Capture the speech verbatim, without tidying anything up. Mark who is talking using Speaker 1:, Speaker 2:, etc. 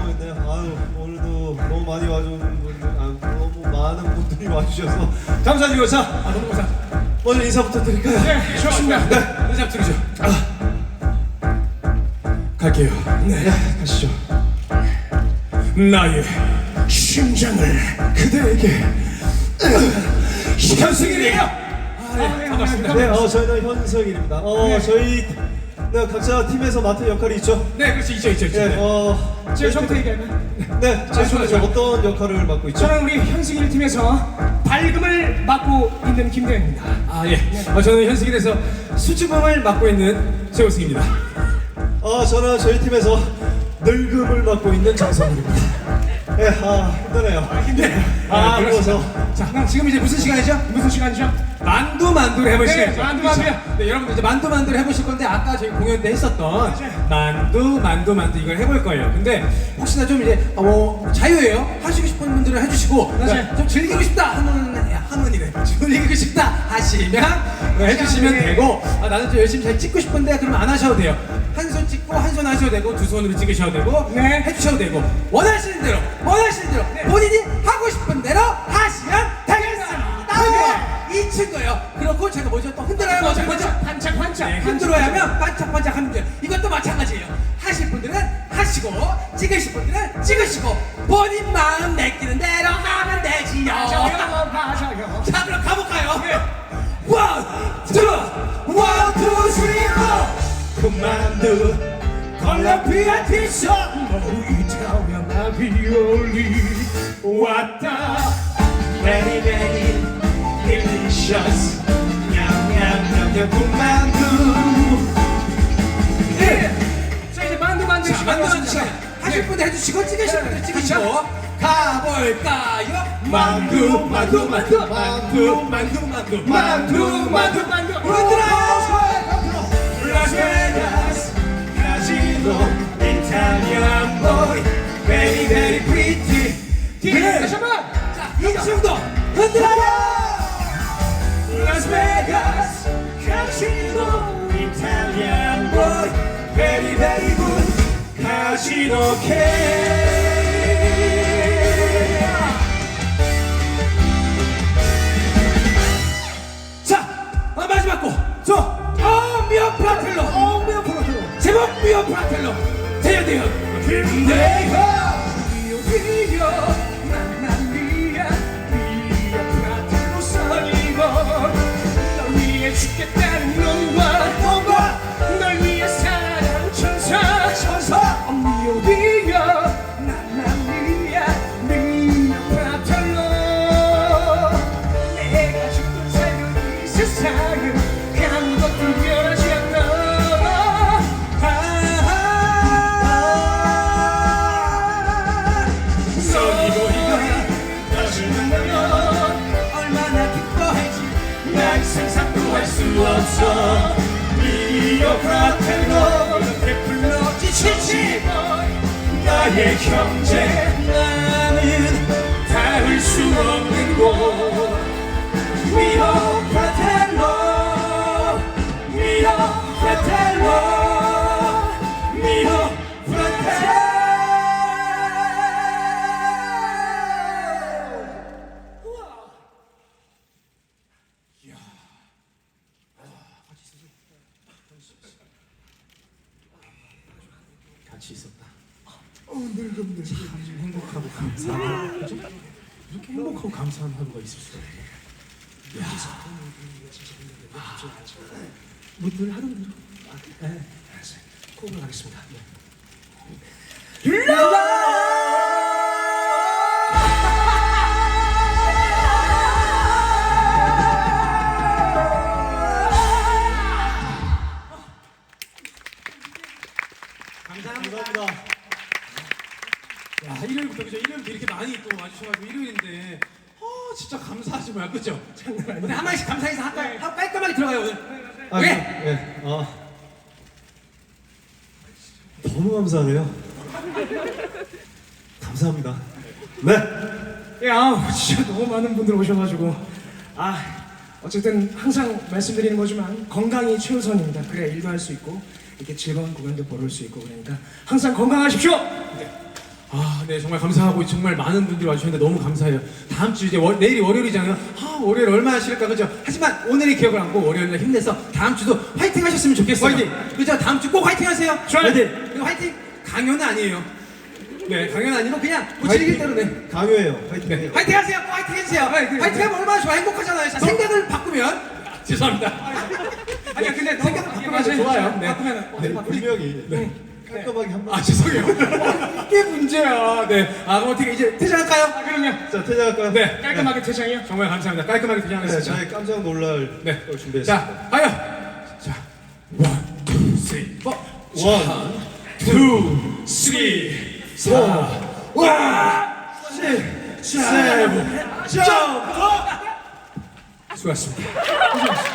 Speaker 1: 있네요. 아유, 오늘도 너무 많이 와주는 분들, 아, 너무 많은 분들이 와주셔서 감사드리고, 자,
Speaker 2: 아 너무 감사.
Speaker 1: 먼저 인사부터 드릴까요?
Speaker 2: 네, 좋습니다. 네, 인사 드리죠. 아, 갈게요.
Speaker 1: 네, 가시죠.
Speaker 2: 나의 심장을 그대에게. 현승일이에요. 아, 네, 반갑습니다.
Speaker 1: 네, 어, 저희는 현석일입니다. 어,
Speaker 2: 네.
Speaker 1: 저희 네, 각자 팀에서 맡은 역할이 있죠.
Speaker 2: 네, 그렇지 있죠, 있죠, 있죠.
Speaker 1: 네, 어,
Speaker 2: 제가
Speaker 1: 저희
Speaker 2: 저부터
Speaker 1: 팀-
Speaker 2: 얘기하면.
Speaker 1: 네, 저희 팀에서 어떤 역할을 맡고 있죠?
Speaker 2: 저는 우리 현승일 팀에서 밝음을 맡고 있는 김대현입니다.
Speaker 3: 아 예. 어, 저는 현승일에서 수줍음을 맡고 있는 최우승입니다.
Speaker 1: 어, 저는 저희 팀에서 늙음을 맡고 있는 장성일입니다. 네, 아, 힘드네요.
Speaker 2: 힘드네요.
Speaker 1: 아,
Speaker 2: 네,
Speaker 1: 그래서
Speaker 3: 자, 그럼 지금 이제 무슨 시간이죠?
Speaker 2: 무슨 시간이죠?
Speaker 3: 만두 만두를 해볼
Speaker 2: 네,
Speaker 3: 시간이죠.
Speaker 2: 만두
Speaker 3: 그렇죠?
Speaker 2: 만두요.
Speaker 3: 네, 여러분들 이제 만두 만두를 해보실 건데 아까 저희 공연 때 했었던
Speaker 2: 맞아요.
Speaker 3: 만두 만두 만두 이걸 해볼 거예요. 근데 혹시나 좀 이제 어, 뭐 자유예요. 하시고 싶은 분들은 해주시고
Speaker 2: 맞아요.
Speaker 3: 좀 즐기고 싶다 하는 하는이래. 즐기고 싶다 하시면 네, 해주시면
Speaker 2: 네.
Speaker 3: 되고 아, 나는 좀 열심히 잘 찍고 싶은데 그러면 안 하셔도 돼요. 한 손 찍고 한 손 하셔도 되고 두 손으로 찍으셔도 되고
Speaker 2: 네.
Speaker 3: 해주셔도 되고 원하시는 대로 원하시는 대로
Speaker 2: 네.
Speaker 3: 본인이 하고 싶은 대로 하시면 되겠습니다.
Speaker 2: 네.
Speaker 3: 이 친구예요. 그렇고 제가 뭐죠? 또 흔들어요. 뭐죠? 뭐죠?
Speaker 2: 반짝 반짝.
Speaker 3: 네, 흔들어야 하면 반짝반짝 하면 돼요. 이것도 마찬가지예요. 하실 분들은 하시고 찍으실 분들은 찍으시고 본인 마음 내키는 대로 하면 되지요.
Speaker 2: 맞아요, 맞아요.
Speaker 3: 자 그럼 가볼까요? 원, 투, 원, 투, 쓰리, 포.
Speaker 1: 그만두
Speaker 2: 콜롬비아 티셔츠 이탈리아 라비올리 왔다.
Speaker 1: Very very delicious 냠냠냠냠 그만두.
Speaker 2: 네. 자 이제 만두 만두
Speaker 3: 자,
Speaker 2: 시간
Speaker 3: 만두 만두
Speaker 2: 왔습니다.
Speaker 3: 시간. 하실 분들 해주시고 찍으실 분들
Speaker 2: 네.
Speaker 3: 찍으시고 가볼까요?
Speaker 1: 만두 만두 만두 만두
Speaker 3: 만두 만두
Speaker 2: 만두 만두 만두.
Speaker 3: 흔들어요.
Speaker 1: 라스베가스 카지노 이탈리안 보이 Very very pretty.
Speaker 2: 뒤에 다시 한번.
Speaker 3: 자, 이 친구도 흔들어요.
Speaker 1: 라스베가스 카지노 이탈리안 보이 Very very good 카지노 K.
Speaker 3: 자, 어, 마지막 곡. 저, 어, 미어 프라텔로.
Speaker 1: 어, 미어 프라텔로.
Speaker 3: 제목 미어 프라텔로. 대현 대현.
Speaker 1: 김대현.
Speaker 2: 미오 미오 맘마미아 미오 프라텔로 살리고 널 위해 죽겠다는 놈과
Speaker 1: 뭔가
Speaker 2: 널 위해 사랑 천사
Speaker 1: 천사.
Speaker 2: 어, 미오 미오 맘마미아 미오 프라텔로 내가 죽든 살든 이 세상은 아무것도 변하지 않아.
Speaker 1: 다시 만나면
Speaker 3: 얼마나 기뻐할지
Speaker 1: 난 상상도 할 수 없어. 미어 프라텔로 이렇게 불러
Speaker 3: 지치지
Speaker 1: 나의 형제. 나는 닿을 수 없는 곳. 미어 프라텔로 미어 프라텔로 미어 프라텔로. 같이 있었다. 어, 늙음들 참 행복하고 감사하고 이렇게 행복하고 감사한 하루가 있을 수가 있네. 야, 뭐늘 하던 대로. 아, 네, 알았어요. 코업을 하겠습니다. 감사합니다.
Speaker 3: 야, 일요일부터 그죠? 일요일부터 이렇게 많이 또 와주셔가지고 일요일인데 어 진짜 감사하지 뭐야 그죠? 오늘 한 마디씩 감사 인사 할까요? 하고 깔끔하게 들어가요 오늘.
Speaker 1: 아,
Speaker 3: 왜?
Speaker 1: 예. 어. 너무 감사하네요. 감사합니다. 네.
Speaker 2: 예, 아, 진짜 너무 많은 분들 오셔가지고 아 어쨌든 항상 말씀드리는 거지만 건강이 최우선입니다. 그래야 일도 할 수 있고 이렇게 즐거운 공연도 보러 올 수 있고 그러니까 항상 건강하십시오. 네.
Speaker 3: 아, 네, 정말 감사하고 정말 많은 분들이 와주셨는데 너무 감사해요. 다음 주 이제 월, 내일이 월요일이잖아요. 아, 월요일 얼마나 싫을까, 그죠? 하지만 오늘의 기억을 안고 월요일날 힘내서 다음 주도 화이팅 하셨으면 좋겠어요.
Speaker 2: 화이팅!
Speaker 3: 그죠? 다음 주 꼭 화이팅 하세요.
Speaker 2: 좋아요.
Speaker 3: 화이팅! 그리고 화이팅! 강요는 아니에요. 네, 강요는 아니고 그냥 고치기 대로 네.
Speaker 4: 강요해요. 파이팅.
Speaker 3: 네. 화이팅 하세요. 꼭 화이팅 해주세요.
Speaker 2: 화이팅.
Speaker 3: 화이팅 하면 얼마나 좋아. 행복하잖아요. 자, 생각을 바꾸면 죄송합니다.
Speaker 2: 아니야 근데 너무
Speaker 3: 생각을 바꾸면 좋아요. 네.
Speaker 2: 바꾸면
Speaker 4: 네, 분명히 네. 깔끔하게 한 번.
Speaker 3: 아, 죄송해요. 이게 문제야. 네. 아, 그럼 어떻게 이제 퇴장할까요?
Speaker 2: 아 그럼요.
Speaker 4: 자, 퇴장할까요?
Speaker 3: 네.
Speaker 2: 깔끔하게 퇴장이요.
Speaker 3: 정말 감사합니다. 깔끔하게
Speaker 4: 네,
Speaker 3: 퇴장하겠습니다.
Speaker 4: 저희 깜짝 놀랄
Speaker 3: 네.
Speaker 4: 걸 준비했습니다.
Speaker 3: 자, 가요. 자, 원, 투, 쓰리, 포.
Speaker 4: 원,
Speaker 3: 투, 쓰리, 사, 원, 십, 세븐, 점프. 수고하셨습니다.